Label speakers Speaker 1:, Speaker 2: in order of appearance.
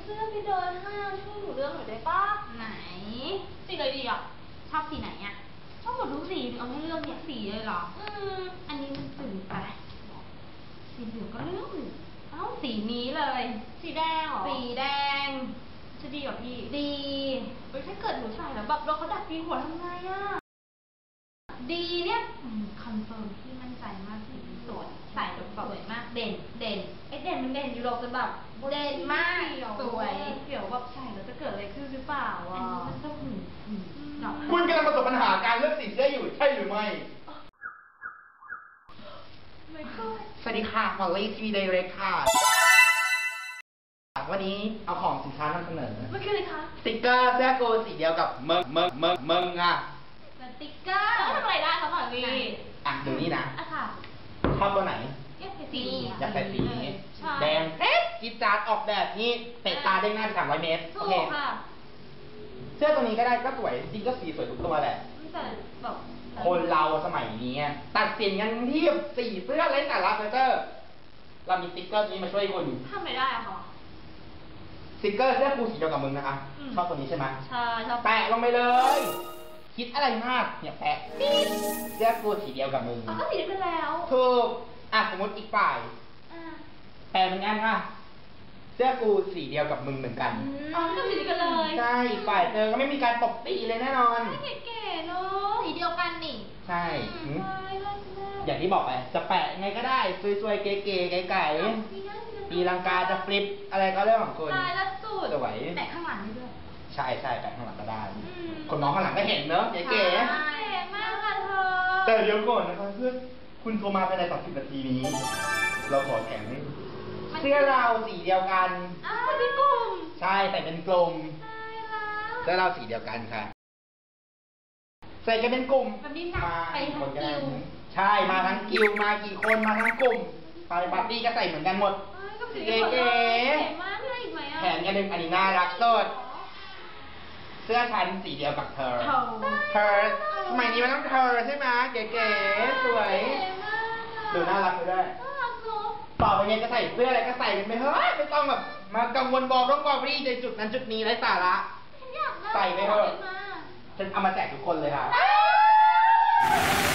Speaker 1: เสื้อไปเดินห้างช่วยหนูเลือกหน่อยได้ปะไหนสีอะไรดีอ่ะชอบสีไหนอ่ะชอบหมดทุกสีเอาให้เลือกทุกสีเลยเหรออันนี้มันสื่อไปสีเหลืองก็เลือกเอ้าสีนี้เลยสีแดงเหรอสีแดงจะดีกว่าพี่ดีถ้าเกิดหนูใส่แล้วแบบเราเขาดัดปีหัวทำไงอ่ะดีเนี่ยคอนเฟิร์มพี่มั่นใจมากสีสวยใส่แล้วสวยมากเด่นเด่นมันเด่นอยู่หรอกจนแบบเด่นมากสวยเดี๋ยวแบบใส่แล้วจะเกิดอะไรขึ้นหรือเปล่าอ่ะมันต้อง
Speaker 2: คุณกำลังประสบปัญหาการเลือกสีเสื้ออยู่ใช่หรือไม่สวัสดีค่ะมอลลี่ทีวีไดเรกค่ะวันนี้เอาของสินค้านำเสนอ
Speaker 1: มันคืออะไรคะ
Speaker 2: สติ๊กเกอร์เสื้อโกสีเดียวกับเมิงอ่ะ
Speaker 1: สติ๊กเกอร์ทำอะไรได้คะหมอลี่
Speaker 2: ดูนี่นะ
Speaker 1: ค่ะ
Speaker 2: ชอบตัวไหน
Speaker 1: อยากใส่สี
Speaker 2: นี้แดงกิ๊ดจ๊าดออกแบบนี้เตะตาได้ง่ายไป300 เมตรโอเคเสื้อตัวนี้ก็ได้ก็สวยจริงก็สีสวยทุกตัวแหละคนเราสมัยนี้ตัดสินกันที่สีเสื้อเล่นแต่ละเฟเจอร์เรามีสติ๊กเกอร์นี้มาช่วยคุณ
Speaker 1: ทำไม่ได้อะค่ะ
Speaker 2: สติ๊กเกอร์เสื้อครูสีเดียวกับมึงนะคะชอบตัวนี้ใช่ไหม
Speaker 1: ใช่ชอบ
Speaker 2: แปะลงไปเลยคิดอะไรมากเนี่ยแปะเสื้อครูสีเดียวกับมึง
Speaker 1: ก็สีเดียวกันแล้ว
Speaker 2: ถูกสมมติอีกฝ่ายแปะเหมือนกันค่ะเสื้อกูสีเดียวกับมึงเหมือนกัน
Speaker 1: ก็สีเดียวกันเลย
Speaker 2: ใช่อีกฝ่ายเธอก็ไม่มีการตบตีเลยแน่นอน
Speaker 1: เก๋ๆเนาะสีเดียวกันนี่
Speaker 2: ใช่อย่างที่บอกไปจะแปะไงก็ได้สวยๆเก๋ๆไก่ๆตีลังกาจะฟลิปอะไรก็เรื่องของคุณ
Speaker 1: ตายแล้วสุด
Speaker 2: สวย
Speaker 1: แปะข้างหลังนี่ด้วย
Speaker 2: ใช่แปะข้างหลังก็ได้คนน้องข้างหลังก็เห็นเนอะเก๋
Speaker 1: ๆมากค่ะเธอ
Speaker 2: แต่เดี๋ยวก่อนนะคะเพื่อนคุณโทรมาภายใน30 นาทีนี้เราขอแถมให้เสื้อเราสีเดียวกัน
Speaker 1: เป็นกลุ่ม
Speaker 2: ใช่ใส่เป็นกลุ่มเสื้อเราสีเดียวกันค่ะใส่กันเป็นกลุ่ม
Speaker 1: มาไปทั้งกิว
Speaker 2: ใช่มาทั้งกิวมากี่คนมาทั้งกลุ่มไปปาร์ตี้ก็ใส่เหมือนกันหมด
Speaker 1: เก๋ๆมากเลยอีกไหม
Speaker 2: แถมกันหนึ่งอันนี้น่ารักสุดเสื้อชั้นสีเดียวกับเธอสมัยนี้มันต้องเธอใช่ไหมเก๋ๆสวยดูน่ารักไปด้วยต่อไปเนี่ยจะใส่เสื้ออะไรก็ใส่กันไปเฮ้ยไม่ต้องแบบมากังวลบอกรีในจุดนั้นจุดนี้ไร้สาระใส่ไปเถอะฉันเอามาแจกทุกคนเลยค่ะ